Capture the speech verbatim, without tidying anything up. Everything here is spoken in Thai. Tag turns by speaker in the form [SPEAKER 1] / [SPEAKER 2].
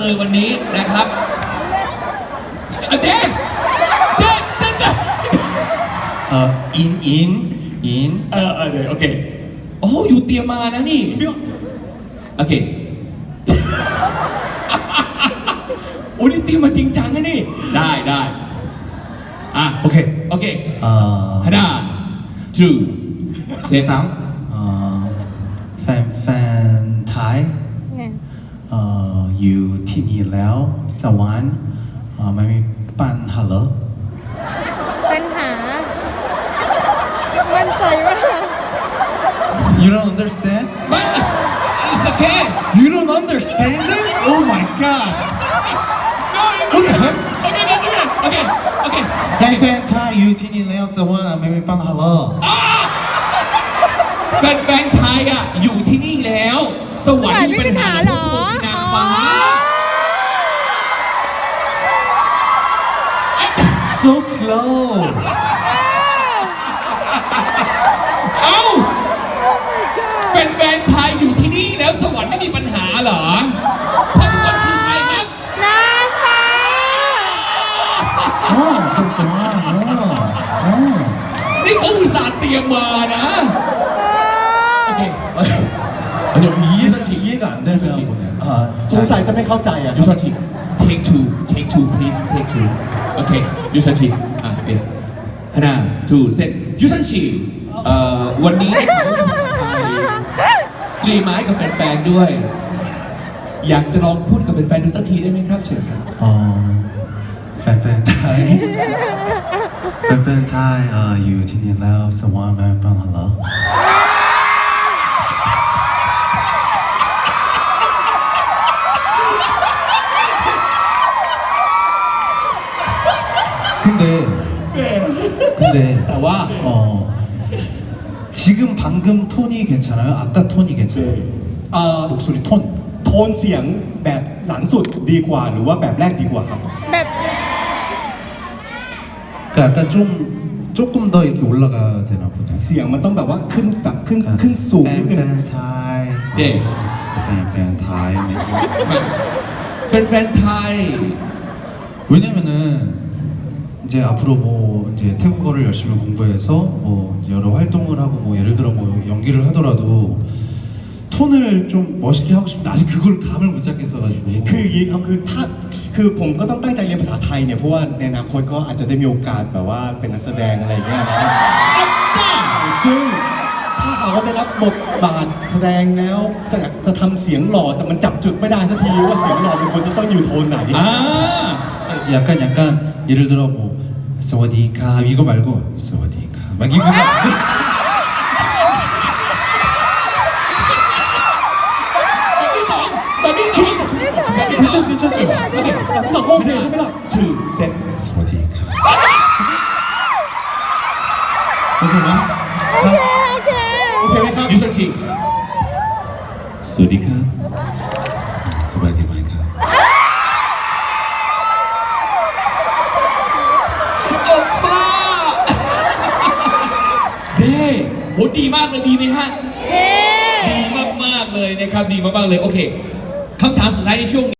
[SPEAKER 1] เลยวันนี้นะครับเด็กเด็กเด็ก
[SPEAKER 2] เอ่ออินอินอิน
[SPEAKER 1] เออเออเดี๋ยวโอเคโอ้อยู่เตรียมมานะนี่โอเคโอ้นี่เตรียมมาจริงจังนะนี่ได้ได้อ่ะ
[SPEAKER 2] โอเค
[SPEAKER 1] โอเค
[SPEAKER 2] เอ่อ
[SPEAKER 1] ฮันน่าทูเซซัง
[SPEAKER 2] เอ่อแฟนแฟนไทยเอ่ออยู่ที่นี่แล้วสวรรค์เอ่อไม่มีปัญหาเหรอ
[SPEAKER 3] ปัญหามันใจมาก
[SPEAKER 2] You don't understand?
[SPEAKER 1] But it's it's okay.
[SPEAKER 2] You don't understand this? Oh my god.
[SPEAKER 1] No, okay. Okay, that's okay. Okay, okay.
[SPEAKER 2] แฟนแฟนไทยอยู่ที่นี่แล้วสวรรค์ไม่มีปัญหาเหรอ
[SPEAKER 1] แฟนแฟนไทยอ่ะอยู่ที่นี่แล้วสวรรค์ไม่มีปัญหาหรอทุกคนคือนางฟ้า
[SPEAKER 2] So slow.
[SPEAKER 1] เอ้าแฟนแฟนไทยอยู่ที่นี่แล้วสวรรค์ไม่มีปัญหาเหรอเพราะทุกคนคือใครครับ
[SPEAKER 3] นางฟ้า
[SPEAKER 2] อ๋อคำสวรรค์อ๋อ
[SPEAKER 1] นี่เขาอุตส่าห์เตรียมมานะโอเค
[SPEAKER 2] 아니이해이해가안되잖아아
[SPEAKER 4] สงสัยจะไม่เข้าใจอ่ะ
[SPEAKER 1] ยูชอนชิ take two take two please take two โอเคยูชอนชิอ่ะเดี๋ยวฮันน่า two set ยูชอนชิเอ่อวันนี้เตรียมไม้กับแฟนๆด้วยอยากจะลองพูดกับแฟนๆดูสักทีได้ไหมครับเชิญครับ
[SPEAKER 2] อ๋อแฟนๆไทยแฟนๆไทยเอ่ออยู่ที่นี่แล้วสวรรค์ไม่มีปัญหาเหรอ근데 근데
[SPEAKER 1] 나와
[SPEAKER 2] 어 지금 방금 톤이 괜찮아요? 아까 톤이 괜찮아요?
[SPEAKER 4] 아
[SPEAKER 2] 목소리 톤
[SPEAKER 4] โทนเสียงแบบหลังสุดดีกว่าหรือว่าแบบแรกดีกว่าครับ
[SPEAKER 3] แบบ
[SPEAKER 2] 그 약간 좀 조금 더 이렇게 올라가야 되나 보다
[SPEAKER 4] เสียงมันต้องแบบว่าขึ้นแบบขึ้นขึ้นสูงนิดนึง
[SPEAKER 2] 팬팬 타이
[SPEAKER 1] 네
[SPEAKER 2] 팬팬 타이
[SPEAKER 1] แฟนๆไทย
[SPEAKER 2] 왜냐면은 이제 앞으로 뭐 이제 태국어를 열심히 공부해서 뭐 여러 활동을 하고 뭐 예를 들어 뭐 연기를 하더라도 톤을 좀 멋있게 하고 싶은데 아직 그걸 감을 못 잡겠어가지고
[SPEAKER 4] คืออย่างนี้ครับคือถ้าคือผมก็ต้องตั้งใจเรียนภาษาไทยเนี่ยเพราะว่าในอนาคตก็อาจจะได้มีโอกาสแบบว่าเป็นนักแสดงอะไรอย่างเงี้ยนะซึ่งถ้าหากว่าได้รับบทบาทแสดงแล้วจะจะทำเสียงหล่อแต่มันจับจุดไม่ได้สักทีว่าเสียงหล่อเป็นคนจะต้องอยู่โทนไหน
[SPEAKER 1] อ่า
[SPEAKER 2] 약간 약간 예를 들어 뭐สวัสดีค่ะ 이거 말고 สวัสดีค่ะ 막 이거 막
[SPEAKER 1] แบบที่สองแบบที่สองแบบที่สอง
[SPEAKER 4] 괜찮죠 괜찮죠
[SPEAKER 1] โอเค
[SPEAKER 4] แบบที่สองโอเคใช่ไหมล่ะ
[SPEAKER 1] two set
[SPEAKER 2] สวัสดีค่ะ 오케이 나
[SPEAKER 3] โอเคโอเค
[SPEAKER 4] โอเคไหมครับ
[SPEAKER 1] ยูชอนชิสวัสดีครับ
[SPEAKER 2] สวัสดีค่ะ
[SPEAKER 1] โอป้าเด้โหดีมากเลยดีไหมฮะ
[SPEAKER 3] เย้
[SPEAKER 1] ดีมากๆเลยนะครับดีมากๆเลยโอเคคำถามสุดท้ายในช่วง